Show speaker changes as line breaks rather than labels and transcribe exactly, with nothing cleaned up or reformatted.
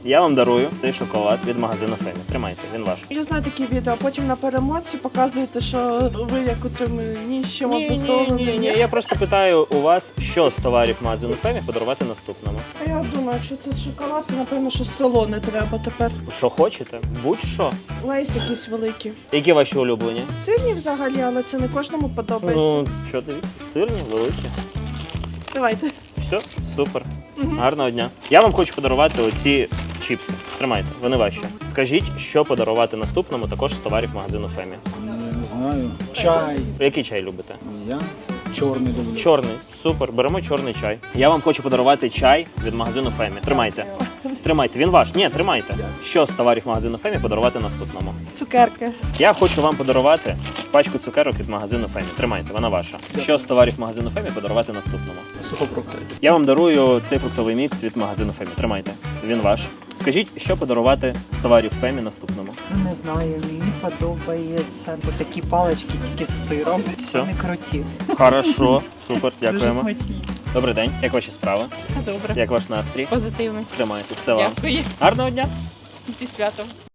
Я вам дарую цей шоколад від магазину Фемі. Тримайте, він ваш.
Я знаю такі відео, а потім на перемотці показуєте, що ви як у цьому ніщому
Ні, ні,
обездоленому.
ні, ні. Я просто питаю у вас, що з товарів магазину Фемі подарувати наступному.
А я думаю, що це шоколад, то, напевно, що село не треба тепер.
Що хочете? Будь-що.
Лейс якісь великі.
Які ваші улюблені?
Сирні взагалі, але це не кожному подобається.
Ну, що дивіться, сирні, великі.
Давайте.
Все, супер.
Мгм.
Гарного дня. Я вам хочу подарувати оці чіпси. Тримайте, вони ваші. Скажіть, що подарувати наступному також з товарів магазину Фемі.
Я не знаю. Чай.
Який чай любите?
Я чорний люблю.
Чорний. Супер, беремо чорний чай. Я вам хочу подарувати чай від магазину Фемі. Тримайте. Тримайте, він ваш. Ні, тримайте. Що з товарів магазину Фемі подарувати наступному?
Цукерки.
Я хочу вам подарувати пачку цукерок від магазину Фемі. Тримайте, вона ваша. Що з товарів магазину Фемі подарувати наступному?
Сухофрукти.
Я вам дарую цей фруктовий мікс від магазину Фемі. Тримайте, він ваш. Скажіть, що подарувати з товарів Фемі наступному?
Ну, не знаю, мені подобається, бо такі палички тільки з сиром.
Все.
Вони круті.
Хорошо, супер,
Дуже
дякуємо.
смачні.
Добрий день, як ваші справи?
Все добре.
Як ваш настрій?
Позитивно.
Тримайте, це вам.
Дякую.
Гарного дня!
Зі святом.